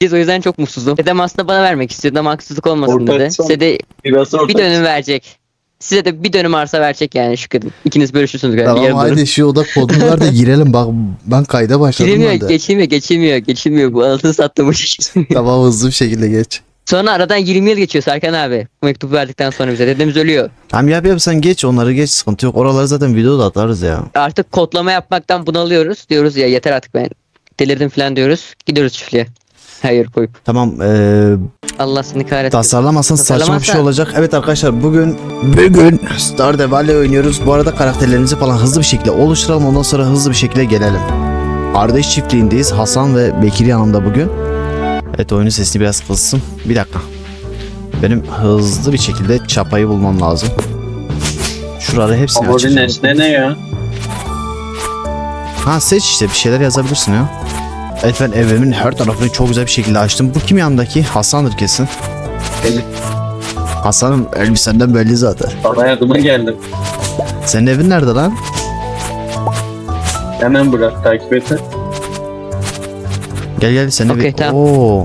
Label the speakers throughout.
Speaker 1: Biz o yüzden çok mutsuzum. Dedem aslında bana vermek istiyordu ama haksızlık olmasın
Speaker 2: Ortak
Speaker 1: dedi.
Speaker 2: son-
Speaker 1: Size de
Speaker 2: Biraz
Speaker 1: bir dönüm verecek. Size de bir dönüm arsa verecek yani şükredin. İkiniz bölüşürsünüz galiba.
Speaker 3: Tamam
Speaker 1: yarım dönüm.
Speaker 3: haydi şu oda kodunu ver de girelim bak ben kayda başladım
Speaker 1: Girilmiyor,
Speaker 3: ben de.
Speaker 1: geçilmiyor. Bu anasını sattım bu şey.
Speaker 3: Tamam hızlı bir şekilde geç.
Speaker 1: Sonra aradan 20 yıl geçiyor Serkan abi. Bu mektubu verdikten sonra bize. Dedemiz ölüyor.
Speaker 3: Tamam yap sen geç onları geç sıkıntı yok. Oraları zaten videoda atarız ya.
Speaker 1: Artık kodlama yapmaktan bunalıyoruz. Diyoruz ya yeter artık ben delirdim falan diyoruz. Gidiyoruz çiftliğe. Hayır koyup.
Speaker 3: Tamam
Speaker 1: Allah seni kahretsin.
Speaker 3: tasarlamazsan saçma bir şey
Speaker 1: Tasarlamazsa-
Speaker 3: olacak. Evet arkadaşlar bugün Stardew Valley oynuyoruz. Bu arada karakterlerimizi falan hızlı bir şekilde oluşturalım. Ondan sonra hızlı bir şekilde gelelim. Kardeş çiftliğindeyiz. Hasan ve Bekir yanımda bugün. Evet oyunun sesini biraz kıssın. Bir dakika. Benim hızlı bir şekilde çapayı bulmam lazım. Şuraları hepsini
Speaker 2: Favori
Speaker 3: açacağım.
Speaker 2: nesne ne ya?
Speaker 3: Ha seç işte bir şeyler yazabilirsin ya. Evet ben evimin her tarafını çok güzel bir şekilde açtım. Bu kim yanındaki? Hasan'dır kesin.
Speaker 2: Benim.
Speaker 3: Hasan'ın elbisenden belli zaten.
Speaker 2: Sana yardıma geldim.
Speaker 3: Senin evin nerede lan?
Speaker 2: Hemen bırak takip et.
Speaker 3: Gel senin
Speaker 1: Okey,
Speaker 3: evi.
Speaker 1: tamam.
Speaker 3: Oo.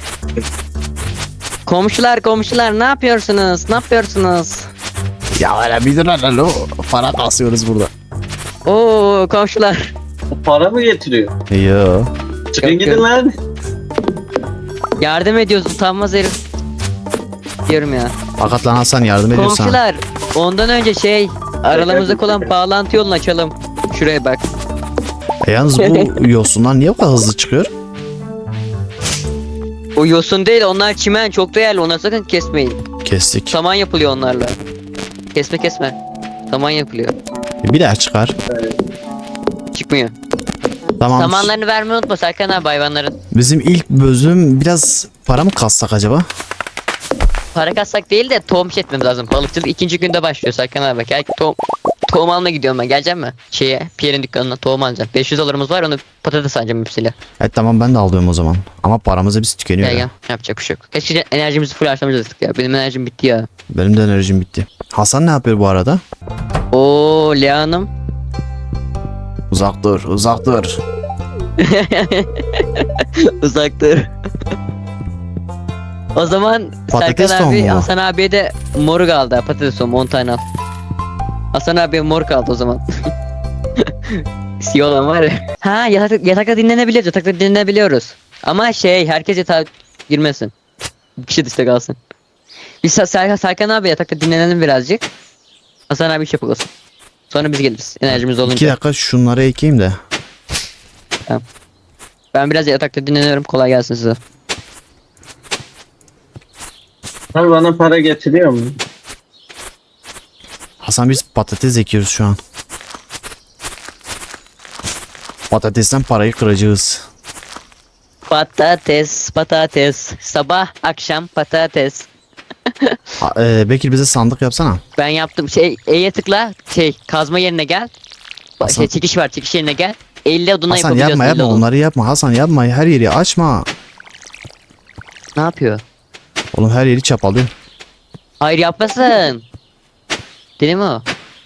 Speaker 1: Komşular ne yapıyorsunuz? Ne yapıyorsunuz?
Speaker 3: Ya öyle bir dur lan o. Para kasıyoruz burada.
Speaker 1: Oo komşular.
Speaker 2: Bu para mı getiriyor?
Speaker 3: Yo.
Speaker 2: Çıkın
Speaker 1: Yok,
Speaker 2: gidin
Speaker 1: yok.
Speaker 2: lan.
Speaker 1: Yardım ediyoruz utanmaz herif. Diyorum ya.
Speaker 3: Fakat lan Hasan yardım ediyor sana.
Speaker 1: Komşular ondan önce aralarımızdaki olan bağlantı yolunu açalım. Şuraya bak.
Speaker 3: Yalnız bu yosunlar niye bu kadar hızlı çıkıyor?
Speaker 1: O yosun değil onlar çimen çok değerli onları sakın kesmeyin.
Speaker 3: Kestik.
Speaker 1: Saman yapılıyor onlarla. Kesme. Saman yapılıyor.
Speaker 3: Bir daha çıkar.
Speaker 1: Çıkmıyor.
Speaker 3: Tamam.
Speaker 1: Samanlarını vermeyi unutma Serkan abi hayvanların.
Speaker 3: Bizim ilk bölüm biraz para mı kassak acaba?
Speaker 1: Para kassak değil de tohum etmemiz lazım. Balıkçılık ikinci günde başlıyor Serkan abi. Gel tohum almaya gidiyorum ben. Gelecek mi? Pierre'in dükkanına tohum alacağım. 500 dolarımız var onu patates alacağım hepsiyle.
Speaker 3: Evet tamam ben de alıyorum o zaman. Ama paramız hepsi tükeniyor
Speaker 1: Gel
Speaker 3: ya.
Speaker 1: gel. Yapacak bir şey yok. Keşke enerjimizi full harcamayacaktık ya. Benim enerjim bitti ya.
Speaker 3: Benim de enerjim bitti. Hasan ne yapıyor bu arada?
Speaker 1: Oo Lea Hanım.
Speaker 3: Uzak dur, uzak dur.
Speaker 1: Uzaktır. O zaman
Speaker 3: Patates
Speaker 1: Serkan abi
Speaker 3: tohumu mu?
Speaker 1: Hasan abiye de mor kaldı. Patates tohumu 10 tane al. Hasan abiye mor kaldı o zaman. Siyah olan var ya. Ha yatakta dinlenebiliyoruz. Yatakta dinlenebiliyoruz. Ama herkes yatağa girmesin. Bir kişi dışta kalsın. Biz Serkan abi yatakta dinlenelim birazcık. Hasan abi iş yapalım. Sonra biz geliriz. Enerjimiz
Speaker 3: 2
Speaker 1: olunca.
Speaker 3: dakika şunları ekeyim de.
Speaker 1: Ben biraz yatakta dinleniyorum. Kolay gelsin size.
Speaker 2: Sen bana para getiriyor mu?
Speaker 3: Hasan biz patates ekiyoruz şu an. Patatesten parayı kıracağız.
Speaker 1: Patates. Sabah akşam patates.
Speaker 3: Bekir bize sandık yapsana.
Speaker 1: Ben yaptım. E'ye tıkla. Kazma yerine gel.
Speaker 3: Hasan-
Speaker 1: Çekiş var. Çekiş yerine gel. 50 odunla
Speaker 3: Hasan
Speaker 1: yapabiliyorsun.
Speaker 3: yapma
Speaker 1: 50 odun.
Speaker 3: onları yapma. Hasan yapma her yeri açma.
Speaker 1: Ne yapıyor?
Speaker 3: Oğlum her yeri çapalıyor.
Speaker 1: Hayır yapmasın. Değil mi o?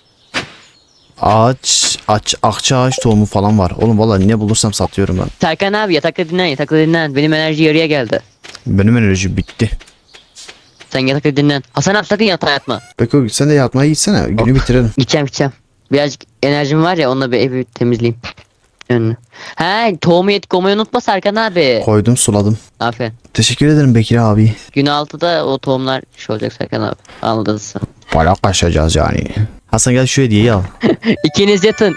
Speaker 3: Akça ağaç tohumu falan var. Oğlum vallahi ne bulursam satıyorum ben.
Speaker 1: Serkan abi yatakta dinlen. Benim enerji yarıya geldi.
Speaker 3: Benim enerjim bitti.
Speaker 1: Sen yatakta dinlen. Hasan abi sakın yatağa yatma.
Speaker 3: Beko sen de yatmaya gitsene. Günü bitirelim.
Speaker 1: Gideceğim. Birazcık enerjim var ya onunla bir evi temizleyeyim. Önünü. He tohumu koymayı unutma Serkan abi.
Speaker 3: Koydum suladım.
Speaker 1: Aferin.
Speaker 3: Teşekkür ederim Bekir abi.
Speaker 1: Gün 6'da o tohumlar olacak Serkan abi. Anladınız sen.
Speaker 3: Para kaçacağız yani. Hasan gel şu hediyeyi al.
Speaker 1: İkiniz yatın.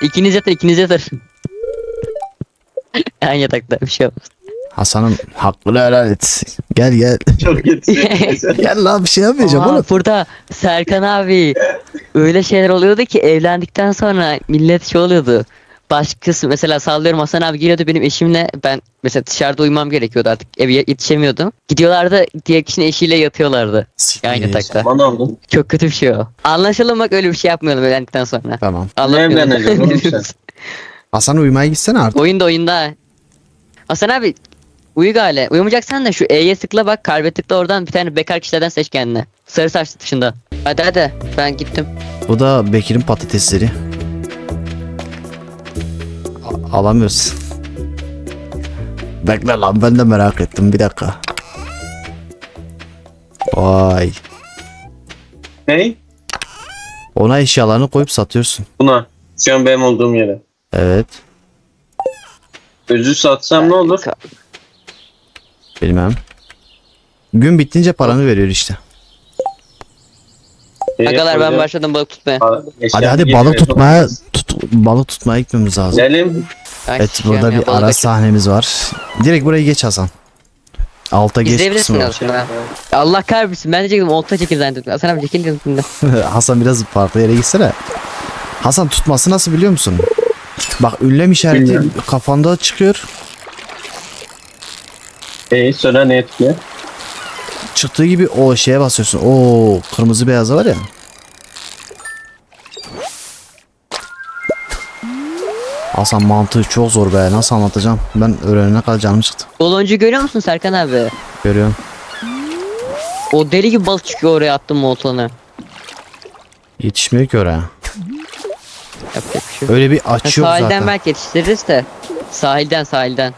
Speaker 1: Aynı yatakta bir şey olmaz.
Speaker 3: Hasan'ın hakkını helal et. Gel.
Speaker 2: Çok getiriyor.
Speaker 3: Gel lan bir şey yapmayacağım
Speaker 1: Aa,
Speaker 3: oğlum.
Speaker 1: burada Serkan abi öyle şeyler oluyordu ki evlendikten sonra millet oluyordu. Başkası mesela sallıyorum Hasan abi geliyordu benim eşimle ben mesela dışarıda uyumam gerekiyordu artık eve yetişemiyordum. Gidiyorlardı diğer kişinin eşiyle yatıyorlardı. Aynı yatakta.
Speaker 2: Bana oldun.
Speaker 1: Çok kötü bir şey o. Anlaşalım bak öyle bir şey yapmayalım evlendikten sonra.
Speaker 3: Tamam.
Speaker 2: evleneceğim oğlum sen?
Speaker 3: Hasan uyumaya gitsene artık.
Speaker 1: oyunda. Hasan abi uyu gale. Uyumayacaksan da şu E'ye tıkla bak kalbe tıkla oradan bir tane bekar kişilerden seç kendine. Sarı saçlı dışında. Hadi ben gittim.
Speaker 3: Bu da Bekir'in patatesleri. Alamıyoruz. Bekle lan, ben de merak ettim, bir dakika. Vay.
Speaker 2: Ney?
Speaker 3: Ona eşyalarını koyup satıyorsun.
Speaker 2: Buna. Şu an benim olduğum yere.
Speaker 3: Evet.
Speaker 2: Özü satsam ne olur?
Speaker 3: Bilmem. Gün bittince paranı veriyor işte.
Speaker 1: Agalar ben başladım balık tutmaya.
Speaker 3: Hadi balık tutmaya balık tutmaya gitmemiz lazım.
Speaker 2: Gidelim.
Speaker 1: Ay,
Speaker 3: Evet,
Speaker 1: sikeyim
Speaker 3: burada
Speaker 1: ya,
Speaker 3: bir
Speaker 1: balık
Speaker 3: ara
Speaker 1: açık.
Speaker 3: sahnemiz var. Direkt burayı geç Hasan. Alta geç
Speaker 1: İzleyebilirsin
Speaker 3: kısmı var.
Speaker 1: aslında. Allah kahretsin, ben diyecektim olta çekim zannettim. Hasan abi çekil dedim.
Speaker 3: Hasan biraz farklı yere gitsene. Hasan, tutması nasıl biliyor musun? Bak, ünlem işareti
Speaker 2: Bilmiyorum.
Speaker 3: kafanda çıkıyor.
Speaker 2: Sonra ne etkili?
Speaker 3: Çıktığı gibi o şeye basıyorsun. O kırmızı beyazı var ya. Hasan, mantığı çok zor be. Nasıl anlatacağım? Ben öğrenene kadar canım çıktı.
Speaker 1: Doloncu görüyor musun Serkan abi?
Speaker 3: Görüyorum.
Speaker 1: O deli gibi balık çıkıyor, oraya attım mı oltanı.
Speaker 3: Yetişmiyor ki oraya.
Speaker 1: Yapacak bir şey yok.
Speaker 3: Öyle bir
Speaker 1: Ha,
Speaker 3: aç yok
Speaker 1: sahilden
Speaker 3: zaten.
Speaker 1: belki yetiştiririz de. Sahilden.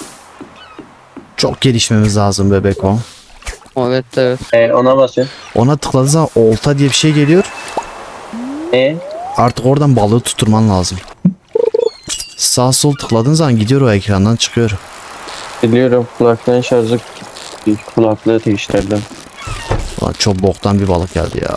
Speaker 3: Çok gelişmemiz lazım bebek o.
Speaker 1: Evet evet.
Speaker 2: Ona basın.
Speaker 3: Ona tıkladığın zaman olta diye bir şey geliyor. Artık oradan balığı tutturman lazım. Sağ sol tıkladığın zaman gidiyor, o ekrandan çıkıyor.
Speaker 2: Biliyorum, kulaklığın şarjı kulaklığı değiştirdim.
Speaker 3: Ulan çok boktan bir balık geldi ya.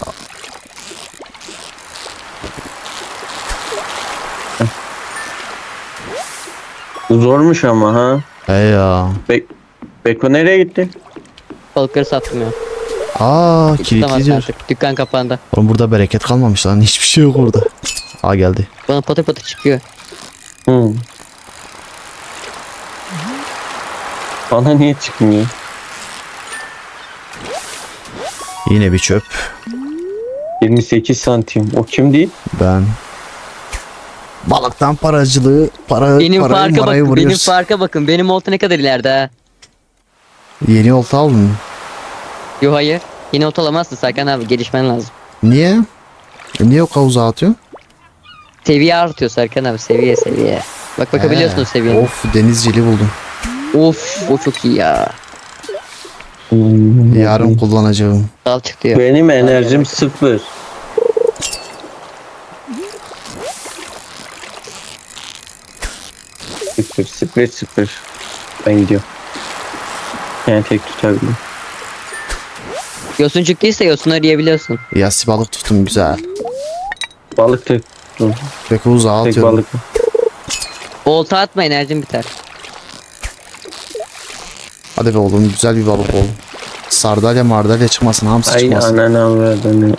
Speaker 2: Zormuş ama ha.
Speaker 3: He ya.
Speaker 2: Beko nereye gitti?
Speaker 1: Balıkları sattım ya.
Speaker 3: Aa, kilitli
Speaker 1: Tutamazsın
Speaker 3: diyor.
Speaker 1: artık. Dükkan kapandı.
Speaker 3: Oğlum burada bereket kalmamış lan. Hiçbir şey yok orada. Aa, geldi.
Speaker 1: Bana patır patır çıkıyor.
Speaker 2: Bana niye çıkmıyor?
Speaker 3: Yine bir çöp.
Speaker 2: 28 santim. O kim değil?
Speaker 3: Ben. Balıktan paracılığı,
Speaker 1: Benim
Speaker 3: parayı
Speaker 1: farka
Speaker 3: marayı
Speaker 1: bakın. Benim
Speaker 3: vuruyoruz.
Speaker 1: farka bakın. Benim olta ne kadar ileride ha.
Speaker 3: Yeni olta aldın.
Speaker 1: Yo hayır. Yine olta alamazsın Serkan abi. Gelişmen lazım.
Speaker 3: Niye? Niye o kavuza atıyorsun?
Speaker 1: Seviye artıyor Serkan abi. Seviye. Bak bakabiliyorsunuz seviyeye.
Speaker 3: Of, denizcili buldum.
Speaker 1: Of o çok iyi ya.
Speaker 3: Yarın kullanacağım.
Speaker 1: Dal çıktı ya.
Speaker 2: Benim enerjim 0. Sıfır. Ben gidiyorum. Yani tek tutabilirim.
Speaker 1: Yosun çıktıysa yosunları yiyebiliyorsun.
Speaker 3: Yassi balık tuttum, güzel.
Speaker 2: Balık tek tuttum.
Speaker 3: Peki uzağa
Speaker 2: Tek
Speaker 3: atıyorum.
Speaker 2: balık.
Speaker 1: Olta atma, enerjin biter.
Speaker 3: Hadi be oğlum, güzel bir balık ol. Sardalya mardalya çıkmasın, hamsi
Speaker 2: Ay
Speaker 3: çıkmasın.
Speaker 2: ananı avradını.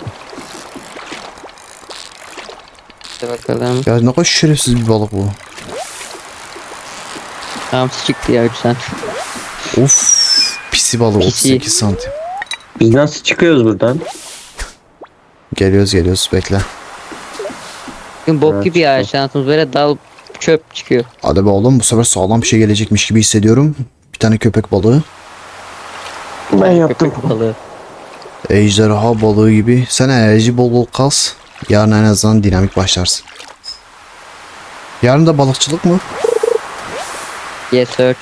Speaker 1: Hadi bakalım.
Speaker 3: Ya ne kadar şerefsiz bir balık bu.
Speaker 1: Hamsi çıktı ya 3 cent.
Speaker 3: Of, pisi balık,
Speaker 1: Pisi.
Speaker 3: 38 santim.
Speaker 2: Biz nasıl çıkıyoruz buradan?
Speaker 3: Geliyoruz, bekle.
Speaker 1: Bugün bok
Speaker 2: Evet,
Speaker 1: gibi ya,
Speaker 2: çıktı.
Speaker 1: şansımız böyle dal çöp çıkıyor.
Speaker 3: Hadi be oğlum, bu sefer sağlam bir şey gelecekmiş gibi hissediyorum. Bir tane köpek balığı.
Speaker 2: Ben yaptım.
Speaker 1: Köpek balığı.
Speaker 3: Ejderha balığı gibi. Sen enerji bol bol kas. Yarın en azından dinamik başlarsın. Yarın da balıkçılık mı?
Speaker 1: Yes search.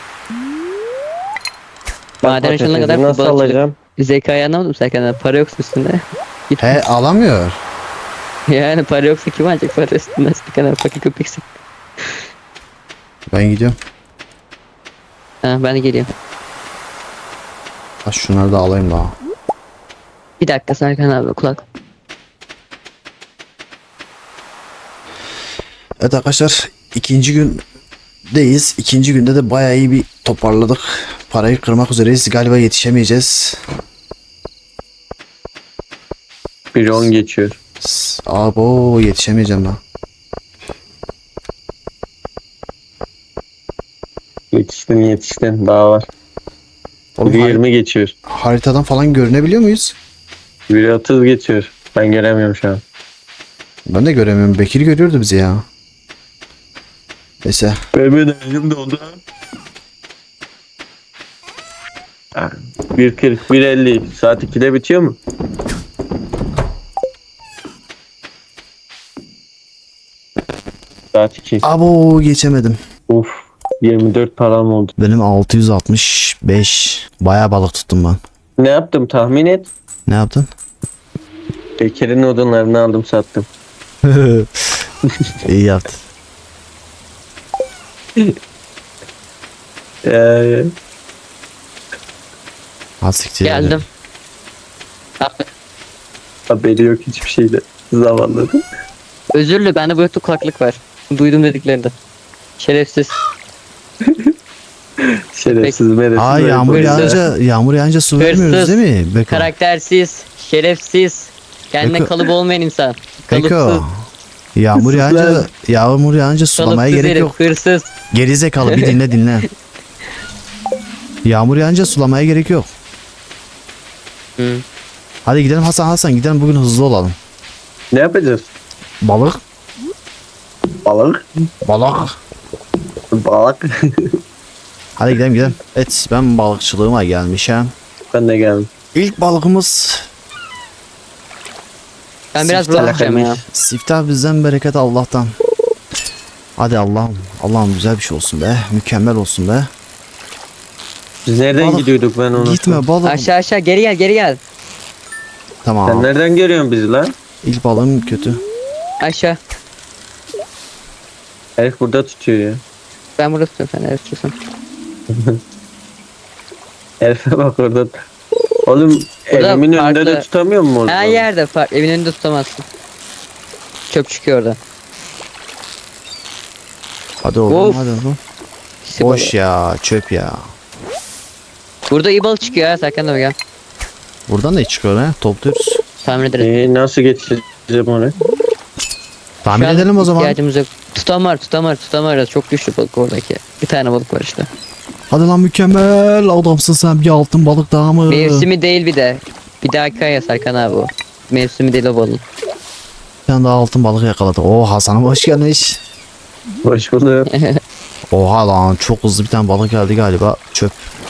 Speaker 1: Maden açılana kadar
Speaker 2: nasıl
Speaker 1: balıkçılık.
Speaker 2: alacağım?
Speaker 1: Zekayı anlamadım Serkan abi. Para yoksa üstünde.
Speaker 3: He, alamıyor.
Speaker 1: Yani para yoksa kim alacak para üstünde? Serkan abi fakir köpeksin.
Speaker 3: Ben gidiyorum.
Speaker 1: Ha ben de geliyorum.
Speaker 3: Ha, şunları da alayım daha.
Speaker 1: Bir dakika Serkan abi, kulak.
Speaker 3: Evet arkadaşlar, ikinci gündeyiz. İkinci günde de bayağı iyi bir toparladık. Parayı kırmak üzereyiz. Galiba yetişemeyeceğiz.
Speaker 2: 1-10 geçiyor.
Speaker 3: Abo, yetişemeyeceğim ben.
Speaker 2: Yetiştin. Daha var.
Speaker 3: Oğlum,
Speaker 2: 1-20 geçiyor.
Speaker 3: haritadan falan görünebiliyor muyuz?
Speaker 2: 1-30 geçiyor. Ben göremiyorum şu an.
Speaker 3: Ben de göremiyorum. Bekir görüyordu bizi ya. Neyse.
Speaker 2: Benim enerjim doldu. 1.40, 1.50. Saat 2'de bitiyor mu? Saat 2.
Speaker 3: Abo, geçemedim.
Speaker 2: Uf. 24 param oldu.
Speaker 3: Benim 665. Bayağı balık tuttum ben.
Speaker 2: Ne yaptım tahmin et.
Speaker 3: Ne yaptın?
Speaker 2: Bekir'in odunlarını aldım sattım.
Speaker 3: İyi yaptın.
Speaker 2: Ee,
Speaker 3: Hastikçi.
Speaker 1: Geldim. Abi,
Speaker 2: haberi yok hiçbir şeyde. Zavallı.
Speaker 1: özürlü bende Bluetooth kulaklık var. Duydum dediklerinde. Şerefsiz.
Speaker 2: Şerefsiz meresiz.
Speaker 3: Aa yağmur
Speaker 1: Hırsız.
Speaker 3: yağınca su vermiyoruz
Speaker 1: Hırsız.
Speaker 3: değil mi? Beko.
Speaker 1: Karaktersiz. Şerefsiz. Kendine
Speaker 3: Beko-
Speaker 1: kalıp olmayan insan.
Speaker 3: Beko.
Speaker 1: Kalıpsız.
Speaker 3: Yağmur yağınca sulamaya
Speaker 1: Kalıpsız
Speaker 3: gerek
Speaker 1: herif.
Speaker 3: yok.
Speaker 1: Hırsız.
Speaker 3: Gerizekalı bir dinle. Yağmur yağınca sulamaya gerek yok.
Speaker 1: Hı.
Speaker 3: Hadi gidelim Hasan gidelim bugün hızlı olalım.
Speaker 2: Ne yapacağız?
Speaker 3: Balık.
Speaker 2: Balık.
Speaker 3: Balık.
Speaker 2: Balık.
Speaker 3: Hadi gidelim. Evet ben balıkçılığıma gelmişim.
Speaker 2: Ben de geldim.
Speaker 3: İlk balıkımız
Speaker 1: Ben biraz
Speaker 3: Siftah
Speaker 1: bırakacağım ya.
Speaker 3: siftah bizden bereket Allah'tan. Hadi Allah'ım güzel bir şey olsun be. Mükemmel olsun be.
Speaker 2: Biz nereden
Speaker 3: Balık.
Speaker 2: gidiyorduk ben onu?
Speaker 3: Gitme balık.
Speaker 1: Aşağı geri gel.
Speaker 3: Tamam.
Speaker 2: Sen nereden görüyorsun bizi lan?
Speaker 3: İlk balığım kötü.
Speaker 1: Aşağı.
Speaker 2: Herif burada tutuyor ya.
Speaker 1: Ben burada tutuyorum sen tutuyorsun.
Speaker 2: Herife bak orada. Oğlum
Speaker 1: Burada
Speaker 2: evimin önünde
Speaker 1: farklı-
Speaker 2: de tutamıyor mu orada?
Speaker 1: Her yerde farklı. Evin önünde tutamazsın. Çöp çıkıyor orada.
Speaker 3: Hadi oğlum
Speaker 1: Of.
Speaker 3: hadi oğlum.
Speaker 1: İşte
Speaker 3: Boş
Speaker 1: balığı.
Speaker 3: ya çöp ya.
Speaker 1: Burada iyi balık çıkıyor ha. Serkan da gel.
Speaker 3: Buradan ne çıkıyor ha? Topluyoruz.
Speaker 1: Tahmin ederiz.
Speaker 2: Nasıl getireceğim onu?
Speaker 3: Tahmin
Speaker 1: Şu an
Speaker 3: edelim o zaman.
Speaker 1: İhtiyacımız yok. Tutamar. Çok güçlü balık oradaki. Bir tane balık var işte.
Speaker 3: Hadi lan mükemmel adamsın sen bir altın balık daha mı?
Speaker 1: Mevsimi değil bir de. Bir dahaki ay ya Serkan abi o. Mevsimi değil o balığın.
Speaker 3: Bir tane daha altın balık yakaladı. Oo Hasan'ım hoş gelmiş.
Speaker 2: Hoş bulduk.
Speaker 3: Oha lan çok hızlı bir tane balık geldi galiba. Çöp.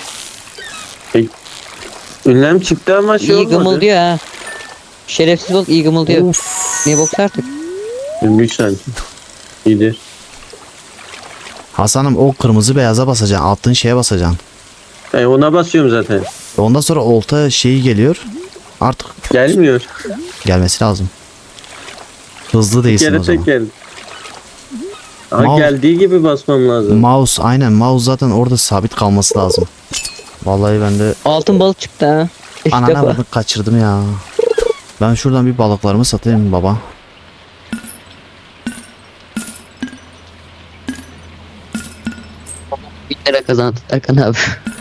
Speaker 2: Ünlem çıktı ama şey
Speaker 1: İyi
Speaker 2: olmadı.
Speaker 1: gımıldıyor ha. Şerefsiz balık iyi gımıldıyor.
Speaker 3: Of.
Speaker 1: Niye boksa artık?
Speaker 2: 23 santim. İyidir.
Speaker 3: Hasan'ım o kırmızı beyaza basacaksın. Attığın şeye basacaksın.
Speaker 2: Ona basıyorum zaten.
Speaker 3: Ondan sonra olta şeyi geliyor. Artık
Speaker 2: Gelmiyor.
Speaker 3: gelmesi lazım. Hızlı
Speaker 2: Bir
Speaker 3: değilsin
Speaker 2: kere
Speaker 3: o zaman.
Speaker 2: tek geldi. Ama
Speaker 3: Mouse-
Speaker 2: geldiği gibi basmam lazım.
Speaker 3: Mouse aynen mouse zaten orada sabit kalması lazım. Vallahi ben de
Speaker 1: Altın balık çıktı ha. İlk
Speaker 3: anana
Speaker 1: defa.
Speaker 3: bakın kaçırdım ya. Ben şuradan bir balıklarımı satayım baba.
Speaker 1: Bir lira kazandı Serkan abi.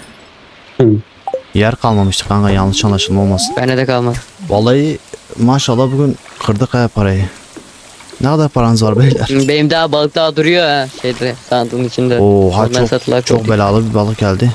Speaker 3: Yer kalmamıştı kanka yanlış anlaşılma olmasın.
Speaker 1: Bende de kalmadı.
Speaker 3: Vallahi maşallah bugün kırdık ha parayı. Ne kadar paranız var beyler?
Speaker 1: Benim daha balık daha duruyor ha. Şeyde sandığın içinde.
Speaker 3: Oha
Speaker 1: Ondan satılar
Speaker 3: çok
Speaker 1: koyduk.
Speaker 3: belalı bir balık geldi.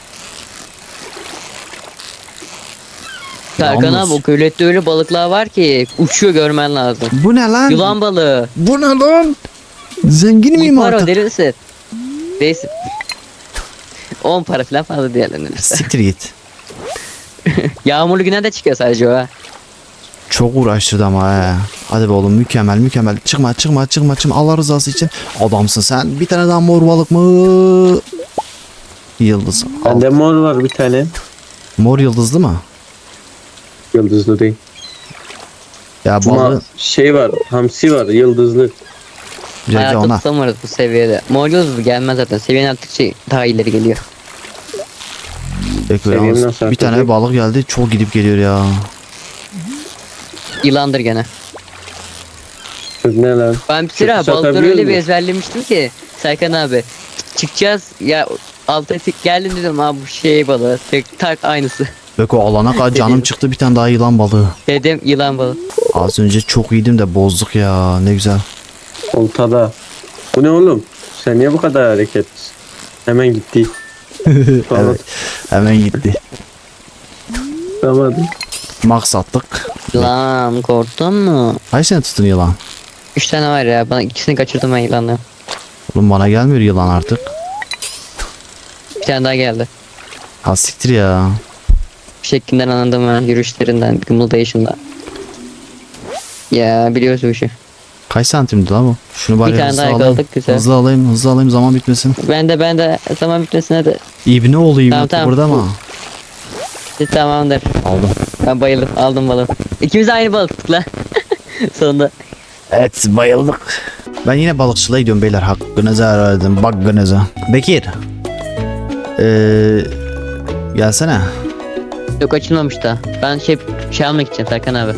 Speaker 1: Serkan
Speaker 3: Yalnız-
Speaker 1: abi o gölette öyle balıklar var ki uçuyor görmen lazım.
Speaker 3: Bu ne lan?
Speaker 1: Yılan balığı.
Speaker 3: Bu ne lan? Zengin miyim
Speaker 1: İyi para o
Speaker 3: artık?
Speaker 1: deli misin? Değilsin. 10 para falan fazla diğerlerinden.
Speaker 3: Siktir git.
Speaker 1: Yağmurlu güne de çıkıyor sadece o ha.
Speaker 3: Çok uğraştırdı ama he. Hadi be oğlum mükemmel. Çıkma. Allah rızası için. Adamsın sen. Bir tane daha mor balık mı? Yıldız. Al.
Speaker 2: Bende mor var bir tane.
Speaker 3: Mor yıldızlı mı?
Speaker 2: Yıldızlı değil.
Speaker 3: Ya
Speaker 2: Ama
Speaker 3: balığı
Speaker 2: şey var. Hamsi var. Yıldızlı.
Speaker 3: direkt
Speaker 1: Hayatta
Speaker 3: ona.
Speaker 1: tutamıyoruz bu seviyede. Mor yıldız gelmez zaten. Seviyen arttıkça daha ileri geliyor.
Speaker 3: Peki,
Speaker 2: Seviyem
Speaker 3: yalnız
Speaker 2: nasıl
Speaker 3: bir tane
Speaker 2: artacak?
Speaker 3: balık geldi. Çok gidip geliyor ya.
Speaker 1: Yılandır gene.
Speaker 2: Kız ne lan?
Speaker 1: Ben bir sıra
Speaker 2: Satabiliyor
Speaker 1: balıkları öyle bir
Speaker 2: musun?
Speaker 1: ezberlemiştim ki Serkan abi. Çıkacağız ya alta tek geldim dedim abi bu şey balığı. Tek tak aynısı.
Speaker 3: Beko alana kadar canım
Speaker 1: Dedim.
Speaker 3: çıktı bir tane daha yılan balığı.
Speaker 1: Dedim yılan balığı.
Speaker 3: Az önce çok iyiydim de bozduk ya. Ne güzel.
Speaker 2: Oltada. Bu ne oğlum? Sen niye bu kadar hareketlisin? Hemen gitti. Tamam.
Speaker 3: Evet. Hemen gitti.
Speaker 2: Tamam.
Speaker 3: Max attık.
Speaker 1: Lan korktun mu?
Speaker 3: Kaç sene tutun yılan?
Speaker 1: 3 tane var ya bana ikisini kaçırdım ben yılanla.
Speaker 3: Oğlum bana gelmiyor yılan artık.
Speaker 1: Bir tane daha geldi.
Speaker 3: Ha siktir ya.
Speaker 1: Şeklinden anladım ben yürüyüşlerinden, gımıldayışından. Ya biliyoruz bu işi.
Speaker 3: Kaç santimdi lan bu? Şunu bari
Speaker 1: Bir tane
Speaker 3: hızlı
Speaker 1: daha
Speaker 3: alayım.
Speaker 1: yakaladık, güzel.
Speaker 3: Hızlı alayım zaman bitmesin.
Speaker 1: Ben de zaman bitmesin hadi.
Speaker 3: İbne olayım
Speaker 1: Tamam,
Speaker 3: burada
Speaker 1: tamam.
Speaker 3: ama.
Speaker 1: Tamamdır.
Speaker 3: Aldım.
Speaker 1: Ben bayıldım. Aldım balığı. İkimiz de aynı balık tuttuk lan. Sonunda.
Speaker 3: Evet bayıldık. Ben yine balıkçılığa gidiyorum beyler. Hakkınızı aradım. Hakkınızı. Bekir. Gelsene.
Speaker 1: Yok, açılmamış da. Ben şey almak gideceğim Serkan abi.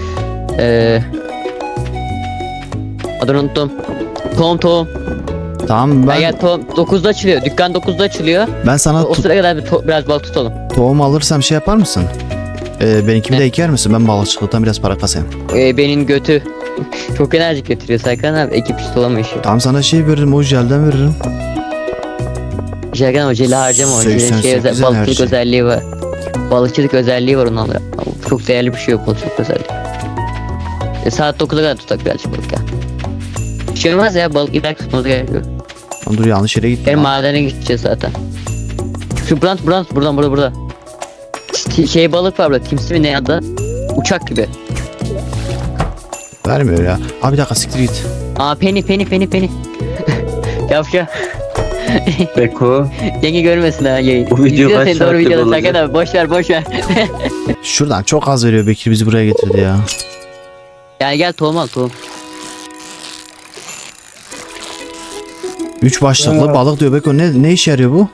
Speaker 1: Adını unuttum. Tohum.
Speaker 3: Tamam
Speaker 1: Ben gel, tohum 9'da açılıyor. Dükkan 9'da açılıyor.
Speaker 3: ben sana
Speaker 1: O sıra kadar biraz balık tutalım.
Speaker 3: tohum alırsam şey yapar mısın? Benimkini
Speaker 1: Ne?
Speaker 3: de eker misin? Ben balıkçılıktan biraz para kasayım.
Speaker 1: Benim götü çok enerjik götürüyor Serkan abi. Ekip tutalama işi.
Speaker 3: Tamam sana şey veririm. O jelden veririm.
Speaker 1: Serkan abi jeli harcama o. Jelin
Speaker 3: 88
Speaker 1: balıkçılık
Speaker 3: enerji.
Speaker 1: özelliği var. Balıkçılık özelliği var onun. Çok değerli bir şey yok balıkçılık özelliği. Saat 9'a kadar tutak birazcık balık ya. Bir şey olmaz ya, balık ileride tutmamız gerekiyor.
Speaker 3: Lan dur yanlış yere gittim.
Speaker 1: Benim
Speaker 3: lan.
Speaker 1: madene gideceğiz zaten. Şu burada. Şey balık var burada. Timsi mi ne adı? Uçak gibi.
Speaker 3: Vermiyor ya. Abi bir dakika siktir git.
Speaker 1: Aa, peni. Yavşa.
Speaker 2: Beko.
Speaker 1: Yenge görmesin ha yayın.
Speaker 2: Bu video
Speaker 1: İzliyor
Speaker 2: kaç
Speaker 1: seni, doğru
Speaker 2: saatlik
Speaker 1: videoda
Speaker 2: olacak?
Speaker 1: Serkan abi. Boş ver.
Speaker 3: Şuradan çok az veriyor. Bekir bizi buraya getirdi ya.
Speaker 1: Gel tohum al tohum.
Speaker 3: 3 başlıklı balık diyor Beko. Ne işe yarıyor bu?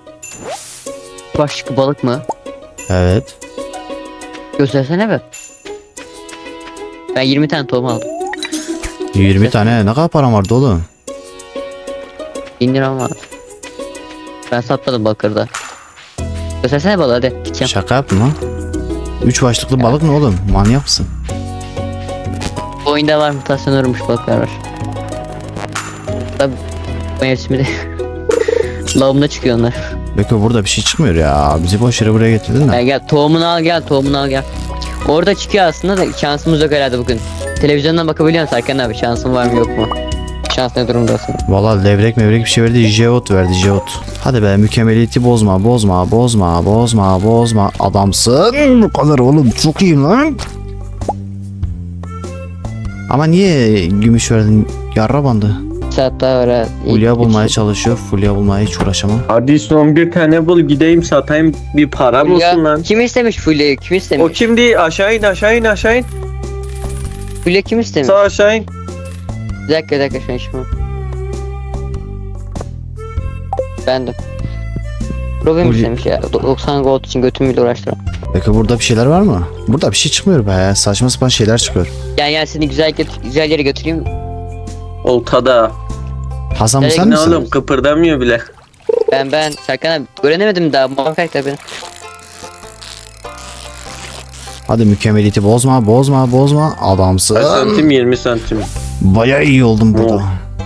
Speaker 1: Başka balık mı?
Speaker 3: Evet.
Speaker 1: Göstersene be. Ben 20 tane tohum aldım.
Speaker 3: 20 tane ne kadar param vardı oğlum?
Speaker 1: 1000 liram vardı. Ben satmadım bakırda. Göstersene balığı hadi. Gideceğim.
Speaker 3: Şaka yaptın lan. 3 başlıklı balık ne oğlum? Manyak mısın?
Speaker 1: Bu oyunda var, mutasyon uğramış balıklar var. Tabii mevsimi de lavımda çıkıyor onlar.
Speaker 3: Beko burada bir şey çıkmıyor ya. Bizi boş yere buraya getirdin de.
Speaker 1: Gel tohumunu al gel. Orada çıkıyor aslında da şansımız yok herhalde bugün. Televizyondan bakabiliyor musun Serkan abi? Şansın var mı yok mu? Şans ne durumdasın?
Speaker 3: Valla levrek bir şey verdi. Jeot verdi jeot. Hadi be mükemmeliyeti bozma. Adamsın. Bu kadar oğlum çok iyiyim lan. Ama niye gümüş verdin? Yarra bandı.
Speaker 1: Saat daha var ha.
Speaker 3: Fulya bulmaya çalışıyor. Fulya bulmaya hiç uğraşamam.
Speaker 2: Hadi son bir tane bul gideyim satayım bir param olsun lan.
Speaker 1: Kim istemiş Fulya'yı? Kim
Speaker 2: O
Speaker 1: istemiş?
Speaker 2: kimdi? Aşağı in.
Speaker 1: Fulya kim istemiş?
Speaker 2: Sağ aşağı in.
Speaker 1: Bir dakika şu an işim. Ben de. Problem
Speaker 3: Fulya-
Speaker 1: istemiş ya. 90 gold için götümü bile uğraştıram.
Speaker 3: Peki burada bir şeyler var mı? Burada bir şey çıkmıyor be. Saçma sapan şeyler çıkıyor.
Speaker 1: Gel seni güzel yere götüreyim.
Speaker 2: Oltada.
Speaker 3: Hasan bu
Speaker 1: Nereye
Speaker 3: sen
Speaker 2: Ne
Speaker 3: misin?
Speaker 2: oğlum kıpırdamıyor bile.
Speaker 1: Ben Serkan abi öğrenemedim daha, muhakkak tabii.
Speaker 3: Hadi mükemmeliyeti bozma. Adamsın.
Speaker 2: Kaç santim? 20 santim.
Speaker 3: Bayağı iyi oldum burada.
Speaker 2: Oh.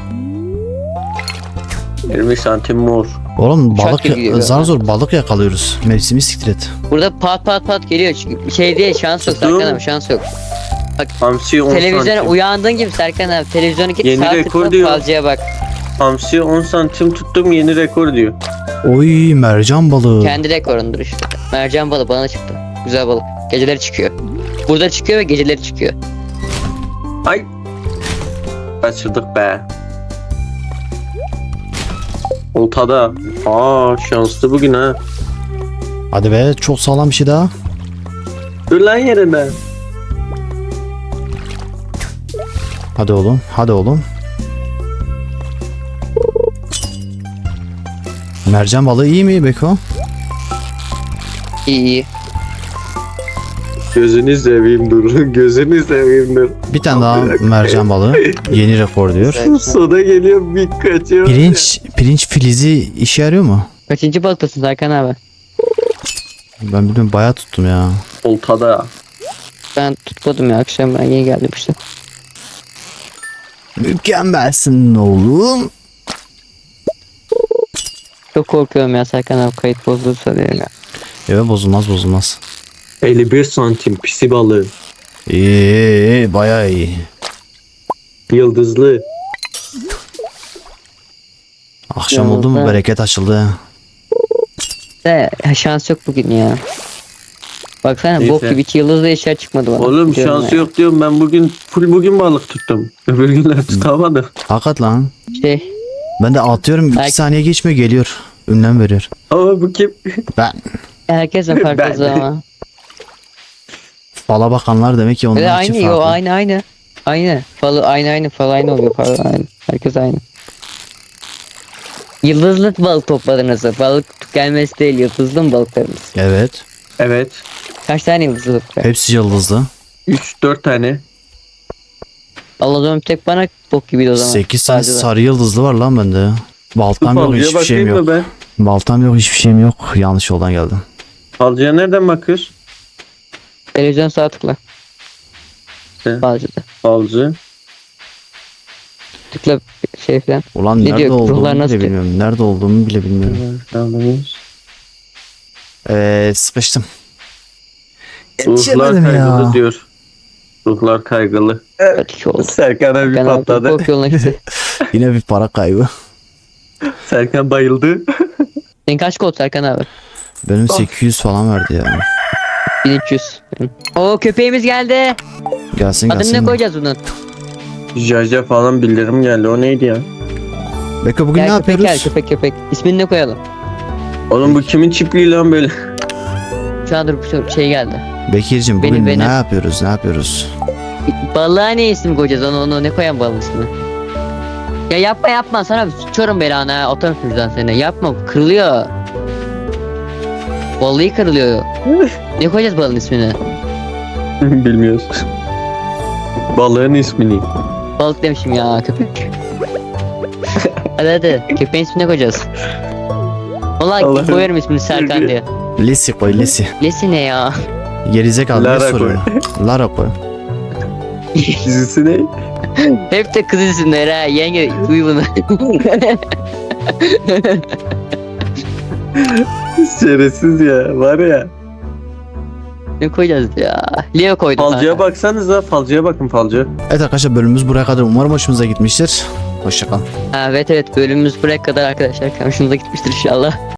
Speaker 2: 20 santim mor.
Speaker 3: Oğlum
Speaker 1: Uçak
Speaker 3: balık
Speaker 1: gibi gidiyor.
Speaker 3: zar zor balık yakalıyoruz. Mevsimi siktir et.
Speaker 1: Burada pat geliyor. Çünkü şey diye şans yok
Speaker 2: Tuttum.
Speaker 1: Serkan abi, şans yok.
Speaker 2: Hamsi 10
Speaker 1: Televizyona
Speaker 2: santim.
Speaker 1: uyandığın gibi Serkan abi, televizyona git,
Speaker 2: Yeni
Speaker 1: saat
Speaker 2: rekor
Speaker 1: tıkla
Speaker 2: diyor.
Speaker 1: falcıya bak.
Speaker 2: Hamsi 10 santim tuttum yeni rekor diyor.
Speaker 3: Oy mercan balığı.
Speaker 1: Kendi rekorundur işte. Mercan balığı bana çıktı. Güzel balık. Geceleri çıkıyor. Burada çıkıyor ve geceleri çıkıyor.
Speaker 2: Ay. Kaçırdık be. Oltada. Şanslı bugün ha.
Speaker 3: Hadi be çok sağlam bir şey daha.
Speaker 2: Dur lan yerine.
Speaker 3: Hadi oğlum. Mercan balığı iyi mi Beko?
Speaker 1: İyi.
Speaker 2: Gözünü seveyim dur. Gözünü seveyim dur.
Speaker 3: Bir tane daha mercan balığı. Yeni rekor diyor.
Speaker 1: Güzel.
Speaker 2: Soda geliyor bir kaçıyor.
Speaker 3: Pirinç filizi işe yarıyor mu?
Speaker 1: Kaçıncı balıktasın Serkan abi?
Speaker 3: Ben bilmiyorum bayağı tuttum ya.
Speaker 2: Oltada.
Speaker 1: Ben tutmadım ya, akşam ben yeni geldim işte.
Speaker 3: Mükemmelsin oğlum.
Speaker 1: Çok korkuyorum ya Serkan abi, kayıt bozulursa diye ya.
Speaker 3: Evet bozulmaz.
Speaker 2: 51 santim pisi balığı.
Speaker 3: İyi bayağı iyi.
Speaker 2: Yıldızlı.
Speaker 3: Akşam oldu mu
Speaker 1: Yolda.
Speaker 3: bereket açıldı.
Speaker 1: De şans yok bugün ya. Baksana
Speaker 2: Neyse.
Speaker 1: bok gibi 2 yıldızlı eşya çıkmadı bana.
Speaker 2: Oğlum
Speaker 1: Diyorum
Speaker 2: şansı
Speaker 1: ya.
Speaker 2: yok diyorum, ben bugün balık tuttum. Öbür günler tutamadım.
Speaker 3: Hakikat lan.
Speaker 1: Şey,
Speaker 3: Ben de atıyorum 2
Speaker 1: Belki-
Speaker 3: saniye geçmiyor geliyor. Ünlem veriyor.
Speaker 2: Ama bu kim?
Speaker 3: Ben.
Speaker 1: herkesin farklı
Speaker 2: Ben-
Speaker 1: zaman.
Speaker 3: Fala bakanlar demek ki
Speaker 1: Ve
Speaker 3: onlar için
Speaker 1: aynı yo
Speaker 3: farklı.
Speaker 1: aynı. Aynı. Falı aynı fal aynı oluyor falan aynı. Herkes aynı. Yıldızlı balık topladınız. Balık gelmesi değil, yıldızlı mı balıklarınız?
Speaker 3: Evet.
Speaker 2: Evet.
Speaker 1: Kaç tane yıldızlı balık var?
Speaker 3: Hepsi yıldızlı.
Speaker 2: 3-4 tane.
Speaker 1: Allah o zaman tek bana bok gibiydi o zaman.
Speaker 3: 8 tane
Speaker 1: Sadece de.
Speaker 3: sarı yıldızlı var lan bende. Baltam yok,
Speaker 2: Falcıya
Speaker 3: hiçbir şeyim
Speaker 2: bakayım
Speaker 3: yok.
Speaker 2: mı ben?
Speaker 3: Baltam yok, hiçbir şeyim yok. Yanlış yoldan geldim.
Speaker 2: Falcıya nereden bakıyoruz?
Speaker 1: Televizyon sağ tıkla.
Speaker 2: Sen.
Speaker 1: Bazıda.
Speaker 2: Falcı.
Speaker 1: Tıkla şey falan.
Speaker 3: Ulan
Speaker 1: Ne
Speaker 3: nerede
Speaker 1: diyor, ruhlar
Speaker 3: olduğumu
Speaker 1: nasıl
Speaker 3: bile bilmiyorum. Nerede olduğumu bile bilmiyorum. Sıkıştım.
Speaker 2: Ruhlar
Speaker 3: Yetişemedim
Speaker 2: kaygılı
Speaker 3: ya.
Speaker 2: diyor. Ruhlar kaygılı.
Speaker 1: Kötü oldu.
Speaker 2: Serkan'a bir
Speaker 1: Ben abi
Speaker 2: patladı.
Speaker 1: bok yoluna gitti.
Speaker 3: Yine bir para kaybı.
Speaker 2: Serkan bayıldı.
Speaker 1: Senin kaç kod Serkan abi?
Speaker 3: Benim 800 falan verdi ya.
Speaker 1: 1300. Oo köpeğimiz geldi.
Speaker 3: Gelsin
Speaker 1: Adını ne
Speaker 3: gelsin.
Speaker 1: koyacağız bunun?
Speaker 2: Jaja falan bildirim geldi. O neydi ya?
Speaker 3: Beko bugün ne
Speaker 1: Gel köpek
Speaker 3: yapıyoruz?
Speaker 1: gel köpek. İsmini ne koyalım?
Speaker 2: Oğlum bu kimin çiftliği lan böyle?
Speaker 1: Şu an dur şu şey geldi.
Speaker 3: Bekir'cim bugün
Speaker 1: Benim.
Speaker 3: ne yapıyoruz? Ne yapıyoruz?
Speaker 1: Balığa ne isim koyacağız onu ne koyan balığın ismini? Ya yapma sana sıçıyorum belanı ha atarım şuradan seni yapma kırılıyor. Balığı kırılıyor. Ne koyacağız balığın ismini?
Speaker 2: Bilmiyoruz. Balığın ismini.
Speaker 1: Balık demişim ya köpek. hadi köpeğin ismini ne koyacağız? Vallahi
Speaker 2: Allah'ım.
Speaker 1: koyarım ismini Serkan diye.
Speaker 3: Lisi koy Lisi.
Speaker 1: Lesi ne ya?
Speaker 3: Gerizekalı ne
Speaker 2: Lara
Speaker 3: soruyor? Lara koy.
Speaker 2: Dizisi ne?
Speaker 1: Hep de kız isimleri ha yenge duy bunu.
Speaker 2: Şerefsiz ya. Var ya.
Speaker 1: ne koyacağız ya? Leo koydum.
Speaker 2: Falcıya
Speaker 1: kanka.
Speaker 2: baksanıza. Falcıya bakın falcı.
Speaker 3: Evet arkadaşlar bölümümüz buraya kadar. Umarım hoşunuza gitmiştir. Hoşçakalın.
Speaker 1: Ha, evet bölümümüz buraya kadar arkadaşlar. Hoşunuza gitmiştir inşallah.